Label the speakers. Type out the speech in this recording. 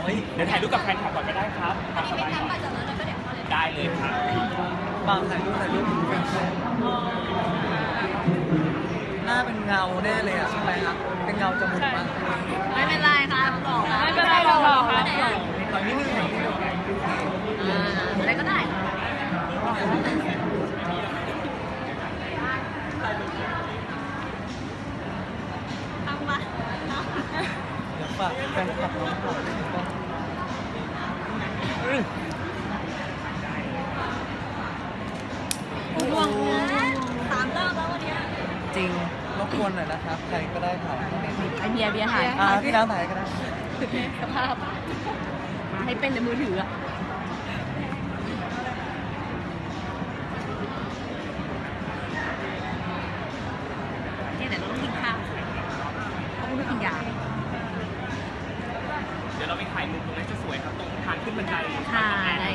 Speaker 1: เดี๋ยวถ่ายรูปกับแฟนคลับก่อนก็ได้ครับตามสบายก่อนได้เลยครับ
Speaker 2: บางถ่ายรูปหน้าเป็นเงาแน่เลยอ่ะใช่ไหมครับเป็นเงาจมูกมั้ง
Speaker 3: ไม่เป็นไรครับบอก
Speaker 4: ไม่เป็นไรเราบอกครับ
Speaker 2: ตอนนี้นึง
Speaker 3: อะไรก็ได้ทำมา
Speaker 2: เดี๋ยวฝากแฟนคลับน้องก่อน
Speaker 3: ห่วงนะ3 รอบแล้ววันนี้
Speaker 2: จริงรบกวนหน่อยนะครับใครก็ได้ถ่าย
Speaker 3: ไอเบียร์ถ่าย
Speaker 2: พี่น้ำถ่ายก็ได้
Speaker 3: สภาพให้เป็นในมือถืออะเนี่ยเดี๋ยวเราต้องกินข้าวเขาไม่กินยา
Speaker 1: เดี๋ยวเราไปถ่ายมุมตรงนั้นจะสวยครับตรงทางขึ้นบันได
Speaker 3: ค่ะได้